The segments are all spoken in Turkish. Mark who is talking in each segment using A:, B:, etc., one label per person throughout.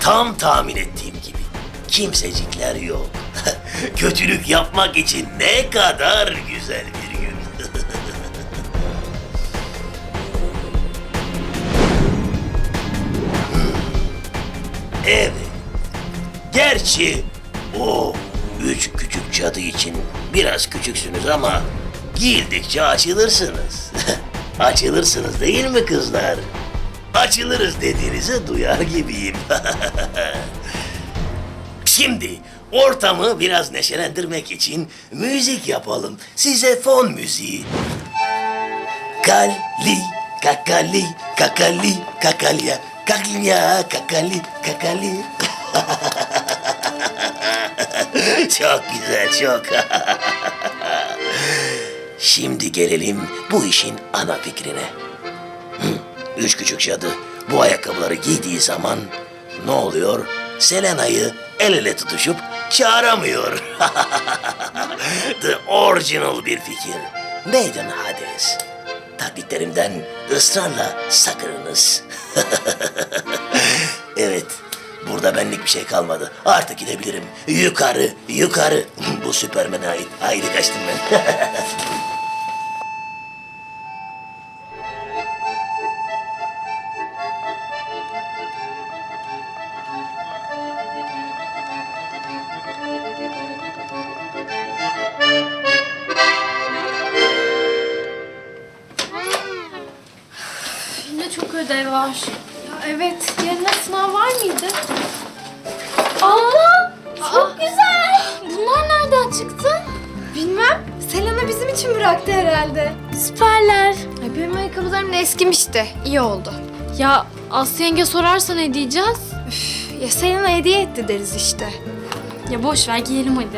A: Tam tahmin ettiğim gibi. Kimsecikler yok. Kötülük yapmak için ne kadar güzel bir gün. Evet. Gerçi o 3 küçük cadı için biraz küçüksünüz ama giyildikçe açılırsınız. Açılırsınız değil mi kızlar? Açılırız dediğinizi duyar gibiyim. Şimdi ortamı biraz neşelendirmek için müzik yapalım. Size fon müziği. Kali, kakali, kakali, kakalya, kakalya, kakali, kakali. Çok güzel, çok. Şimdi gelelim bu işin ana fikrine. Üç küçük cadı bu ayakkabıları giydiği zaman ne oluyor? Selena'yı el ele tutuşup çağıramıyor. The original bir fikir. Maiden Hades. Taklitlerimden ısrarla sakınınız. Evet, burada benlik bir şey kalmadı. Artık gidebilirim. Yukarı, yukarı. Bu Süpermen'e ait. Haydi kaçtım ben.
B: Yine çok ödev var. Ya evet, yarın sınav var mıydı? Abla, çok güzel. Bunlar nereden çıktı?
C: Bilmem. Selena bizim için bıraktı herhalde.
B: Süperler.
C: Ay benim ayakkabılarım da eskimişti. İyi oldu.
B: Ya Aslı yenge sorarsa ne diyeceğiz?
C: Ya Selena hediye etti deriz işte.
B: Ya boş ver, giyelim hadi.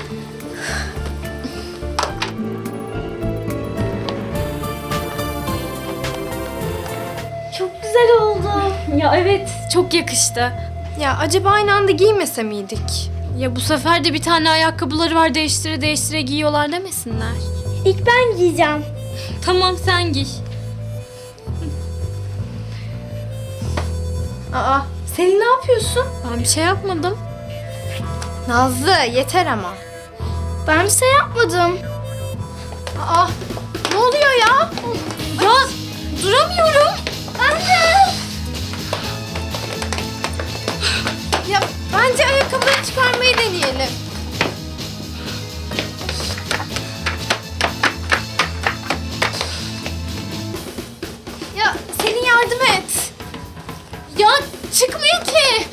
B: Çok güzel oldu. Ya evet, çok yakıştı.
C: Ya acaba aynı anda giymese miydik?
B: Ya bu sefer de bir tane ayakkabıları var, değiştire değiştire giyiyorlar demesinler.
D: İlk ben giyeceğim.
B: Tamam, sen giy.
C: Aa, Selin ne yapıyorsun?
B: Ben bir şey yapmadım.
C: Nazlı yeter ama.
D: Ben bir şey yapmadım.
C: Aa, ne oluyor ya?
B: Ya duramıyorum.
D: Ben de.
C: Ya bence ayakkabıları çıkarmayı deneyelim. Ya Selin yardım et.
B: Ya çıkmıyor ki.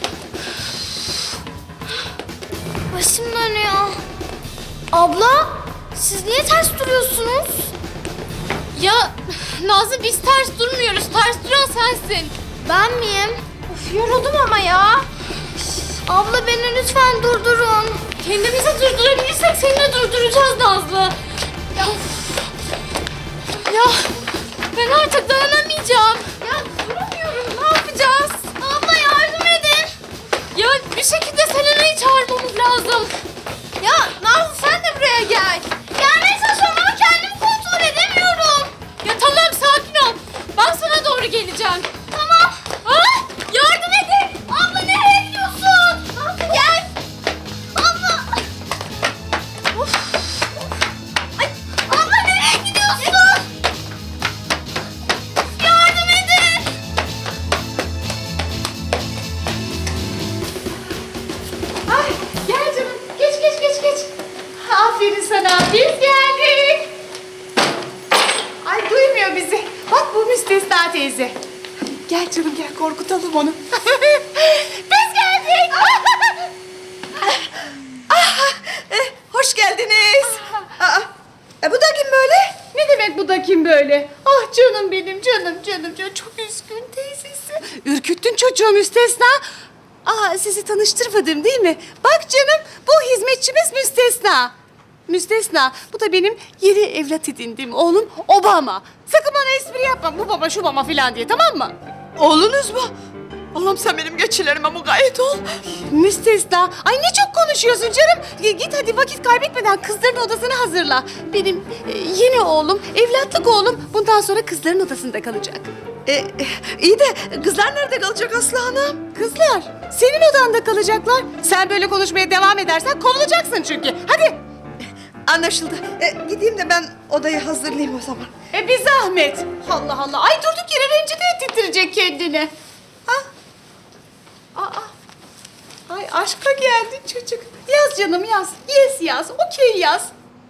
D: Başım dönüyor. Abla, siz niye ters duruyorsunuz?
B: Ya Nazlı, biz ters durmuyoruz. Ters duran sensin.
D: Ben miyim?
C: Of yoruldum ama ya.
D: Abla beni lütfen durdurun.
B: Kendimizi durdurabilirsek seni de durduracağız Nazlı. Ya ben artık dayanamayacağım.
C: Ya duramıyorum. Ne yapacağız?
B: Abla yardım edin. Ya bir şekilde Selena'yı çağırmamız lazım.
C: Ya Nazlı sen de buraya gel.
B: Gelmeye çalışıyorum ama kendimi kontrol edemiyorum. Ya tamam, sakin ol. Ben sana doğru geleceğim. Tamam. Ah, yardım edin. Abla nereye gidiyorsun? Nazlı gel. Abla. Of. Ay, abla nereye gidiyorsun? Yardım edin.
C: Ay gel canım. Geç geç geç geç. Aferin sana. Biz geldik. Ay duymuyor bizi. Bak bu Müstesna teyze. Gel canım gel korkutalım onu. Biz geldik.
E: Hoş geldiniz. Bu da kim böyle?
C: Ne demek bu da kim böyle? Ah canım benim canım canım canım. Çok üzgün teyzesi.
E: Ürküttün çocuğu Müstesna. Sizi tanıştırmadım değil mi? Bak canım, bu hizmetçimiz Müstesna. Müstesna, bu da benim yeni evlat edindiğim oğlum Obama. Sakın bana espri yapma, bu baba şu baba filan diye, tamam mı? Oğlunuz mu?
C: Allah'ım sen benim geçilerime mukayyet ol.
E: Müstesna. Ay ne çok konuşuyorsun canım. Git hadi vakit kaybetmeden kızların odasını hazırla. Benim yeni oğlum, evlatlık oğlum bundan sonra kızların odasında kalacak.
C: İyi de kızlar nerede kalacak Aslı Hanım?
E: Kızlar senin odanda kalacaklar. Sen böyle konuşmaya devam edersen kovulacaksın çünkü. Hadi.
C: Anlaşıldı. Gideyim de ben odayı hazırlayayım o zaman.
E: Bir zahmet. Allah Allah. Ay durduk yere rencide ettirecek kendini. Ha? Aa. Ay aşka geldin çocuk. Yaz canım yaz. Yes yaz. Okey yaz.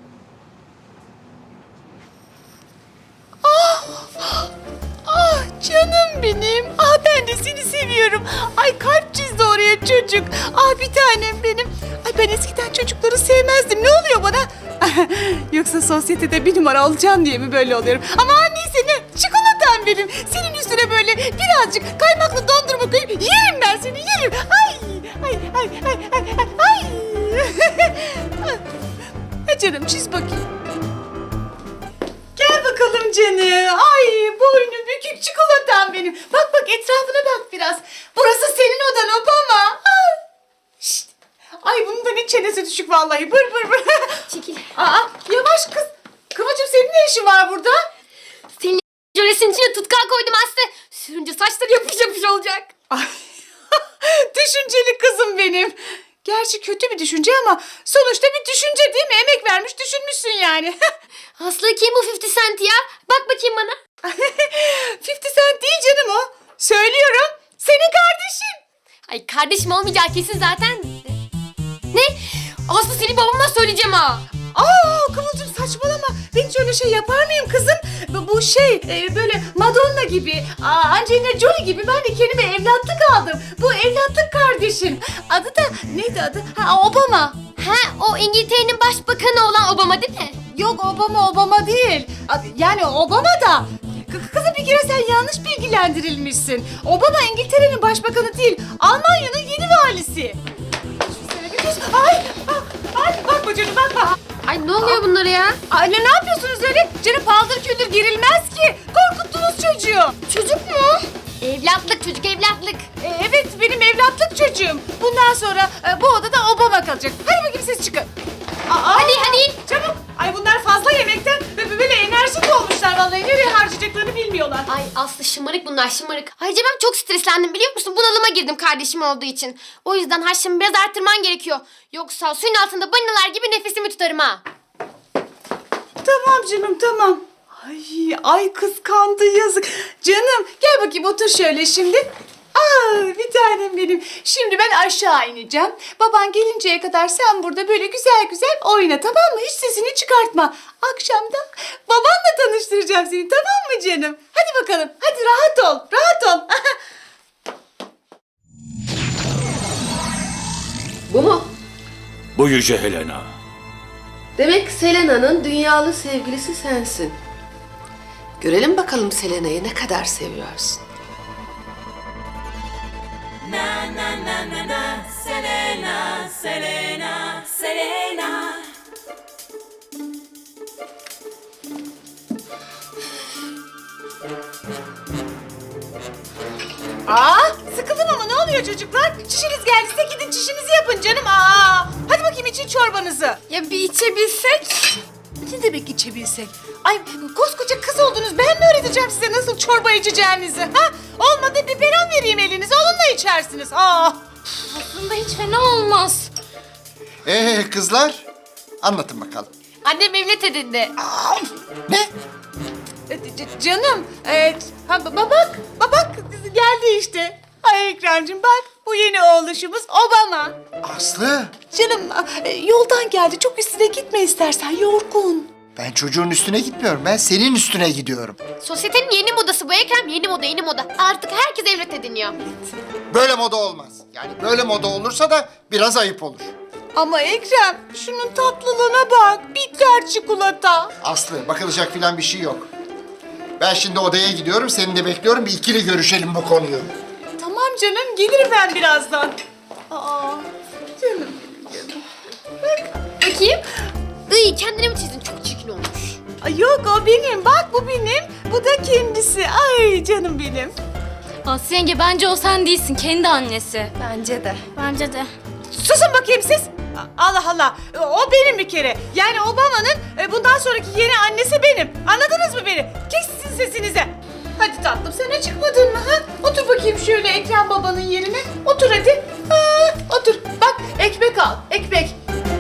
E: Ah canım benim. Ah ben de seni seviyorum. Ay kalp çizdi oraya çocuk. Ah bir tanem benim. Ay ben eskiden çocukları sevmezdim. Ne oluyor bana? Yoksa sosyetede bir numara olacaksın diye mi böyle oluyorum? Ama neyse ne? Çikolatam benim. Senin üstüne böyle birazcık kaymaklı dondurma koyup yerim ben seni yerim. Ay ay ay ay ay ay. Ha canım çiz bakayım. Gel bakalım canım. Ay boynu bükük çikolatam benim. Bak bak etrafına bak biraz. Burası senin odan Obama. Ay. Şşt. Ay bunun da ne çenesi düşük vallahi. Bır bır bır.
B: Çekil.
E: Aa yavaş kız. Kıvılcım senin ne işin var burada?
B: Senin jölesin içine tutkal koydum Aslı. Sürünce saçları yapış yapış olacak.
E: Ay. Düşünceli kızım benim. Gerçi kötü bir düşünce ama sonuçta bir düşünce değil mi? Emek vermiş düşünmüşsün yani.
B: Aslı kim bu 50 Cent ya? Bak bakayım bana.
E: 50 Cent değil canım o. Söylüyorum. Senin kardeşin.
B: Ay kardeşim olmayacağı kesin zaten. Ne? Aslı seni babama söyleyeceğim ha.
E: Aa Kıvılcım saçmalama. Ben hiç öyle şey yapar mıyım kızım? Bu şey böyle Madonna gibi, Angelina Jolie gibi ben de kendime evlatlık aldım. Bu evlatlık kardeşim. Adı da neydi adı? Ha Obama.
B: Ha o İngiltere'nin başbakanı olan Obama değil mi?
E: Yok Obama değil. Yani Obama da. Kızım bir kere sen yanlış bilgilendirilmişsin. Obama İngiltere'nin başbakanı değil. Almanya'nın yeni valisi. Şöyle bir kız. Ay bakma canım bakma.
B: Ay ne oluyor bunlara ya?
E: Anne ne yapıyorsunuz öyle? Canım paldır küldür girilmez ki. Korkuttunuz çocuğu.
B: Çocuk mu? Evlatlık çocuk evlatlık.
E: Evet benim evlatlık çocuğum. Bundan sonra bu odada Obama kalacak. Hadi bakayım siz çıkın.
B: Hadi hadi.
E: Çabuk. Ay bunlar fazla yemekten böyle enerjik olmuşlar vallahi. Nereye harcayacaklarını bilmiyorlar.
B: Ay Aslı şımarık bunlar şımarık. Ayrıca ben çok streslendim biliyor musun? Bunalıma girdim kardeşim olduğu için. O yüzden harçlığımı biraz arttırman gerekiyor. Yoksa suyun altında balinalar gibi nefesimi tutarım ha.
E: Tamam canım tamam. Ay kıskandı yazık. Canım gel bakayım otur şöyle şimdi. Bir tanem benim. Şimdi ben aşağı ineceğim. Baban gelinceye kadar sen burada böyle güzel güzel oyna tamam mı? Hiç sesini çıkartma. Akşam da babanla tanıştıracağım seni tamam mı canım? Hadi bakalım. Hadi rahat ol. Rahat ol.
F: Bu mu?
A: Bu Yüce Helena.
F: Demek Selena'nın dünyalı sevgilisi sensin. Görelim bakalım Selena'yı ne kadar seviyorsun.
E: Sıkıldım ama ne oluyor çocuklar? Çişiniz geldiyse gidin çişinizi yapın canım. Hadi bakayım için çorbanızı.
B: Ya bir içebilsek?
E: Ne demek içebilsek? Ay koskoca kız oldunuz. Ben mi öğreteceğim size nasıl çorba içeceğinizi? Ha? Olmadı biberon vereyim elinize. Onunla içersiniz.
B: Aslında hiç fena olmaz.
G: Kızlar, anlatın bakalım.
B: Annem evlat edindi.
G: Ne?
E: Canım. Babak geldi işte. Ay Ekrem'cim bak bu yeni oğluşumuz Obama.
G: Aslı,
E: Canım yoldan geldi. Çok üstüne gitme istersen. Yorgun.
G: ben çocuğun üstüne gitmiyorum. Ben senin üstüne gidiyorum.
B: Sosyetenin yeni modası bu Ekrem. Yeni moda yeni moda. Artık herkes evlat ediniyor.
G: Böyle moda olmaz. Yani böyle moda olursa da biraz ayıp olur.
E: Ama Ekrem şunun tatlılığına bak. Bitter çikolata.
G: Aslı, bakılacak filan bir şey yok. Ben şimdi odaya gidiyorum, seni de bekliyorum. Bir ikili görüşelim bu konuyu.
E: Tamam canım gelirim ben birazdan. Canım.
B: Bakayım. Iy kendine mi çizdin? Çok çirkin olmuş.
E: Ay yok o benim. Bak bu benim. Bu da kendisi. Ay canım benim.
B: Aslı yenge bence o sen değilsin. Kendi annesi.
D: Bence de. Bence de.
E: Susun bakayım siz. Allah Allah. O benim bir kere. Yani Obama'nın bundan sonraki yeni annesi benim. Anladınız mı beni? Kesin sesinize. Hadi tatlım sen çıkmadın mı ha? Otur bakayım şöyle Ekrem babanın yerine. Otur hadi. Otur. Bak ekmek al. Ekmek.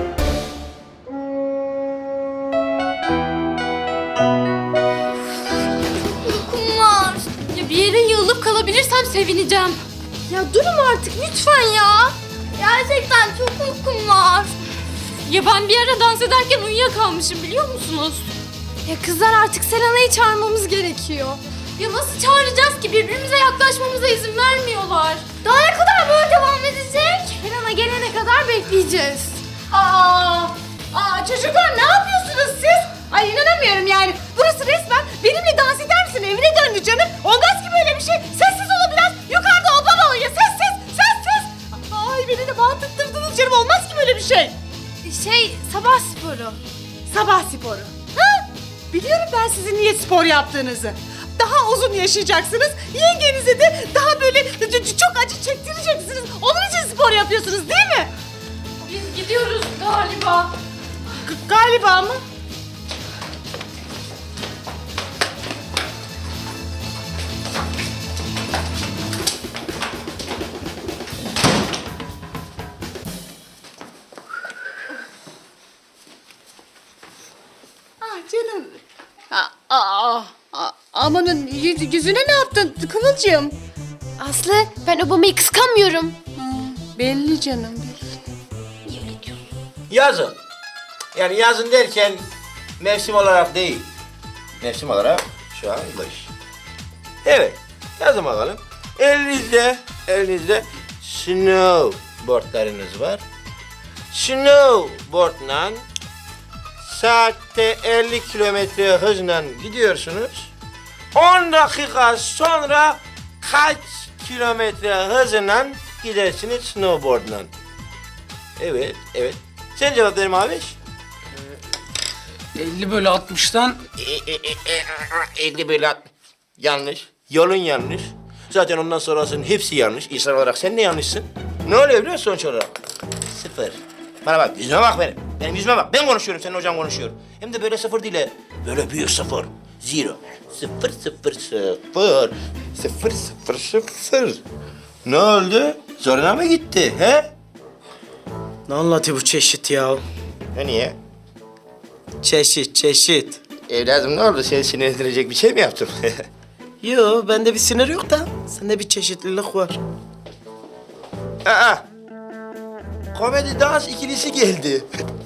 D: Uykum var.
B: Ya bir yere yığılıp kalabilirsem sevineceğim.
D: Ya durun artık lütfen ya. Gerçekten çok uykum var.
B: Ya ben bir ara dans ederken uyuyakalmışım biliyor musunuz?
D: Ya kızlar artık Selena'yı çağırmamız gerekiyor.
B: Ya nasıl çağıracağız ki? Birbirimize yaklaşmamıza izin vermiyorlar.
D: Daha ne kadar böyle devam edecek? Selena gelene kadar bekleyeceğiz.
E: Çocuklar ne yapıyorsunuz siz? Ay inanamıyorum yani. Burası resmen benimle dans eder misin? Evine döndü canım. Olmaz ki böyle bir şey. Sessiz olun biraz. Yukarıda Obama uyuyor. Sessiz. Ay beni de bağırttırdınız canım. Olmaz ki böyle bir şey.
D: Sabah sporu.
E: Sabah sporu. Ha? Biliyorum ben sizin niye spor yaptığınızı. Daha uzun yaşayacaksınız. Yengenize de daha böyle çok acı çektireceksiniz. Onun için spor yapıyorsunuz değil mi?
B: Biz gidiyoruz galiba.
E: Galiba mı? Canım. Amanın yüzüne ne yaptın Kıvılcım?
D: Aslı ben Obama'yı kıskanmıyorum.
E: Belli canım belli.
H: Yazın. Yani yazın derken mevsim olarak değil. Mevsim olarak şu an kış. Evet. Yazın bakalım. Elinizde snowboardlarınız var. Snowboardla saatte 50 kilometre hızla gidiyorsunuz. 10 dakika sonra kaç kilometre hızla gidersiniz snowboardla? Evet. Sen cevap ver Maviş.
I: 50 bölü 60'tan
H: 50 bölü 60. Yanlış. Yolun yanlış. Zaten ondan sonrasının hepsi yanlış. İnsan olarak sen de yanlışsın. Ne oluyor biliyor musun sonuç olarak? 0. Bana bak, yüzüme bak benim. Benim yüzüme bak. Ben konuşuyorum, senin hocan konuşuyor. Hem de böyle 0 değil. Böyle büyük 0. 0. 0. Ne oldu? Zoruna mı gitti, he?
J: Ne anlatıyor bu çeşit ya?
H: Ne niye?
J: Çeşit.
H: Evladım ne oldu? Seni sinirlendirecek bir şey mi yaptım?
J: Yo, bende bir sinir yok da sende bir çeşitlilik var.
H: Aa! Komedi dans ikilisi geldi.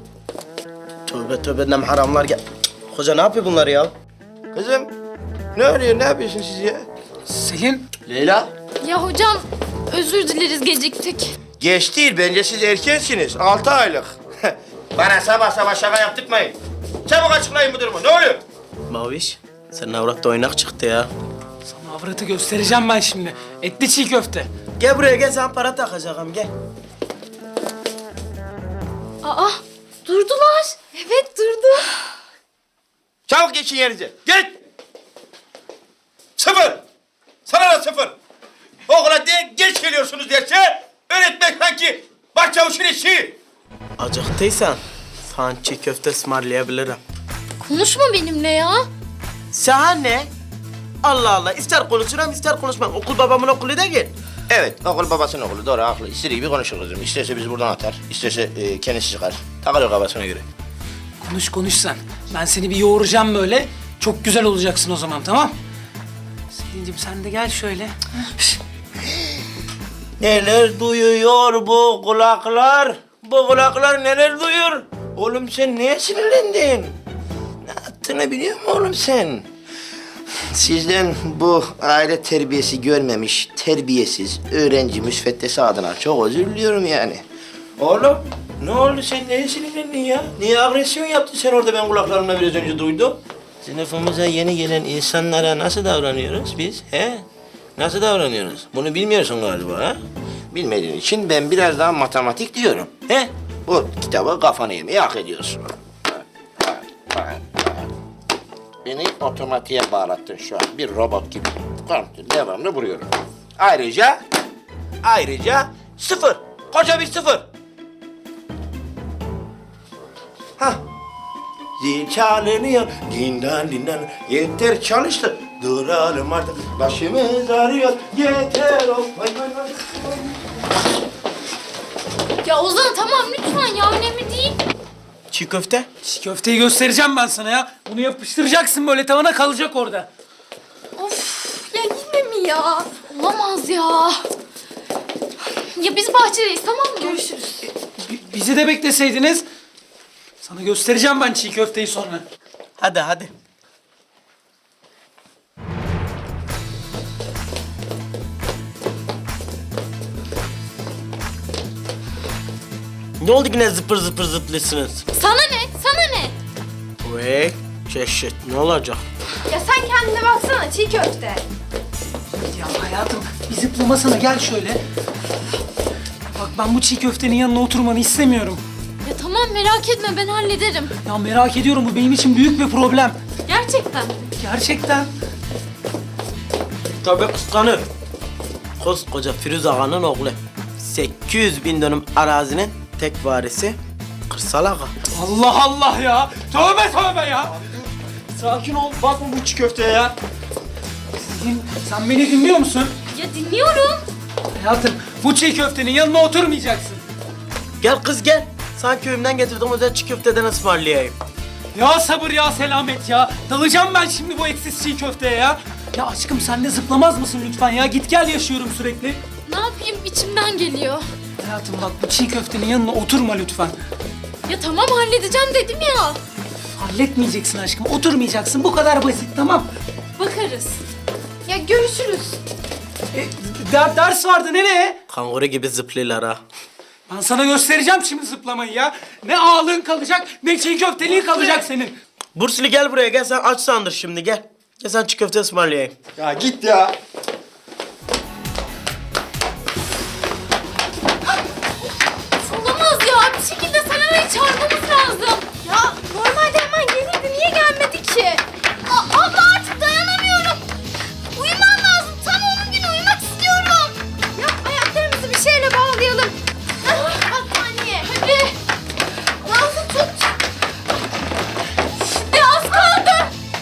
J: Tövbe ne haramlar gel. Hoca ne yapıyor bunlar ya?
H: Kızım, ne oluyor? Ne yapıyorsun siz ya?
I: Selin.
H: Leyla.
B: Ya hocam özür dileriz geciktik.
H: Geç değil, bence siz erkensiniz. 6 aylık. Bana sabah şaka yaptırmayın. Çabuk açıklayın bu durumu, ne oluyor?
J: Maviş, senin avrat da oynak çıktı ya.
I: Sana avratı göstereceğim ben şimdi. Etli çiğ köfte.
J: Gel buraya gel, sana para takacağım gel.
B: Aa durdular. Evet durdu.
H: Çabuk geçin yerinize, geç! 0! Sana da 0! Okula geç geliyorsunuz derse, öğretmek sanki başçavuşun işi.
J: Acıktıysan sana çiğ köfte ısmarlayabilirim.
B: Konuşma benimle ya.
J: Sana ne? Allah Allah, ister konuşurum ister konuşmam. Okul babamın okulu değil.
H: Evet, okul babasının okulu, doğru, haklı. İstediği gibi konuşur kızım. İsterse bizi buradan atar, isterse kendisi çıkar. Takılır kafasına göre.
I: Konuş sen. Ben seni bir yoğuracağım böyle. Çok güzel olacaksın o zaman, tamam? Selin'cim sen de gel şöyle.
H: Neler duyuyor bu kulaklar? Bu kulaklar neler duyuyor? Oğlum sen neye sinirlendin? Ne yaptığını biliyor musun oğlum sen? Sizden bu aile terbiyesi görmemiş, terbiyesiz öğrenci müsveddesi adına çok özür diliyorum yani. Oğlum ne oldu sen neye sinirlendin ya? Niye agresyon yaptın sen orada ben kulaklarımla biraz önce duydum? Sınıfımıza yeni gelen insanlara nasıl davranıyoruz biz he? Nasıl davranıyoruz? Bunu bilmiyorsun galiba ha? Bilmediğin için ben biraz daha matematik diyorum. He? Bu kitabı kafana yemeye hak ediyorsun. Beni otomatiğe bağlattın şu an. Bir robot gibi. Devamlı vuruyorum. Ayrıca sıfır. Koca bir sıfır. Hah. Zil çalınıyor. Dindan dindan. Yeter çalıştı. Duralım artık. Başımız ağrıyor. Yeter. Vay vay vay.
B: Ya Ozan tamam lütfen ya önemli değil.
J: Çiğ köfte.
I: Çiğ köfteyi göstereceğim ben sana ya. Bunu yapıştıracaksın böyle tavana kalacak orada.
B: Of ya yine mi ya? Olamaz ya. Ya biz bahçedeyiz tamam mı? Görüşürüz.
I: Bizi de bekleseydiniz. Sana göstereceğim ben çiğ köfteyi sonra.
J: Hadi hadi. Ne oldu yine zıpır zıpır zıplıyorsunuz?
B: Sana ne? Sana ne?
J: Vay çeşit ne olacak?
D: Ya sen kendine baksana çiğ köfte.
I: Ya hayatım bir zıplamasana gel şöyle. Bak ben bu çiğ köftenin yanına oturmanı istemiyorum.
B: Ya tamam merak etme ben hallederim.
I: Ya merak ediyorum bu benim için büyük bir problem.
B: Gerçekten.
I: Gerçekten.
J: Tabii kıskanır. Koskoca Firuz Ağa'nın oğlu. 800.000 dönüm arazinin tek varisi Kırsal Ağa.
I: Allah Allah ya. Tövbe tövbe ya. Sakin ol. Bakma bu çiğ köfteye ya. Sen beni dinliyor musun?
B: Ya dinliyorum.
I: Hayatım bu çiğ köftenin yanına oturmayacaksın.
J: Gel kız gel. Sana köyümden getirdim özel çiğ köfteden ısmarlayayım.
I: Ya sabır ya selamet ya. Dalacağım ben şimdi bu etsiz çiğ köfteye ya. Ya aşkım sen de zıplamaz mısın lütfen ya? Git gel yaşıyorum sürekli.
B: Ne yapayım içimden geliyor.
I: Hayatım bak bu çiğ köftenin yanına oturma lütfen.
B: Ya tamam halledeceğim dedim ya.
I: Halletmeyeceksin aşkım. Oturmayacaksın. Bu kadar basit tamam.
B: Bakarız.
D: Ya görüşürüz.
I: Ders vardı nereye?
J: Kanguru gibi zıplıyorlar ha.
I: Ben sana göstereceğim şimdi zıplamayı ya. Ne ağlığın kalacak ne çiğ köfteliğin kalacak senin.
J: Burslu gel buraya gel sen aç sandır şimdi gel. Gel sen çiğ köfte ısmarlayayım.
G: Ya git ya.
B: Olamaz ya bir şekilde Selena'yı çağırmamız lazım.
D: Ya normalde hemen gelirdi. Niye gelmedi ki? Abla artık dayanamıyorum. Uyumam lazım. Tam 10 gün uyumak istiyorum. Ya ayaklarımızı bir şeyle bağlayalım. Battaniye.
B: Hadi.
D: Nazlı tut.
B: Ya az kaldı.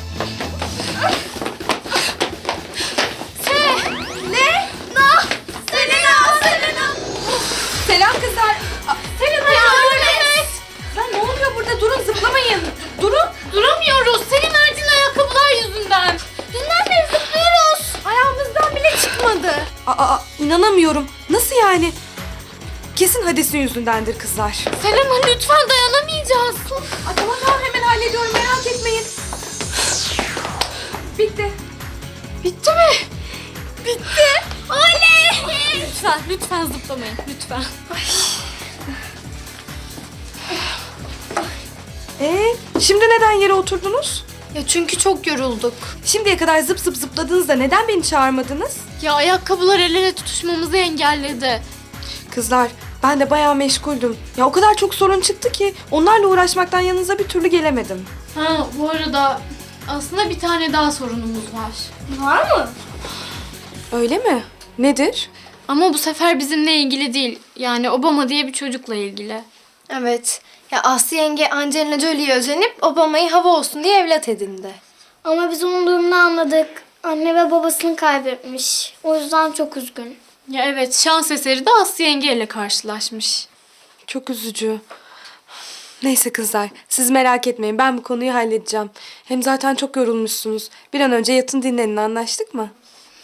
D: Ne? Selena. Selam kızlar.
B: Selena yardım et.
D: Ya ne oluyor burada? Durun zıplamayın. Durun.
B: Duramıyoruz. Senin verdiğin ayakkabılar yüzünden.
D: Dünden beri zıplıyoruz. Ayağımızdan bile çıkmadı.
K: İnanamıyorum. Nasıl yani? Kesin Hades'in yüzündendir kızlar.
B: Selena lütfen dayanamayacağız.
K: Tamam hemen hallediyorum merak etmeyin. Bitti.
B: Bitti mi? Bitti. Oley! Lütfen zıplamayın. Lütfen.
K: Şimdi neden yere oturdunuz?
D: Ya çünkü çok yorulduk.
K: Şimdiye kadar zıp zıp zıpladınız da neden beni çağırmadınız?
B: Ya ayakkabılar el ele tutuşmamızı engelledi.
K: Kızlar ben de bayağı meşguldüm. Ya o kadar çok sorun çıktı ki onlarla uğraşmaktan yanınıza bir türlü gelemedim.
B: Ha bu arada aslında bir tane daha sorunumuz var.
D: Var mı?
K: Öyle mi? Nedir?
B: Ama bu sefer bizimle ilgili değil. Yani Obama diye bir çocukla ilgili.
D: Evet. Ya Aslı yenge Angelina Jolie'ye özenip Obama'yı hava olsun diye evlat edindi.
L: Ama biz onun durumunu anladık. Anne ve babasını kaybetmiş. O yüzden çok üzgün.
B: Ya evet şans eseri de Aslı yengeyle karşılaşmış.
K: Çok üzücü. Neyse kızlar siz merak etmeyin ben bu konuyu halledeceğim. Hem zaten çok yorulmuşsunuz. Bir an önce yatın dinlenin anlaştık mı?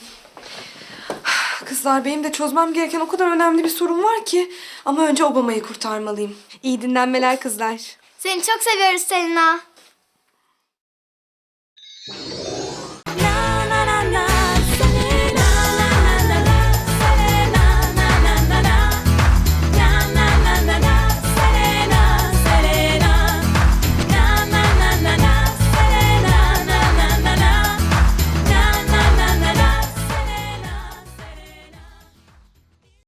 K: Kızlar benim de çözmem gereken o kadar önemli bir sorun var ki. Ama önce Obama'yı kurtarmalıyım. İyi dinlenmeler kızlar.
L: Seni çok seviyoruz Selena.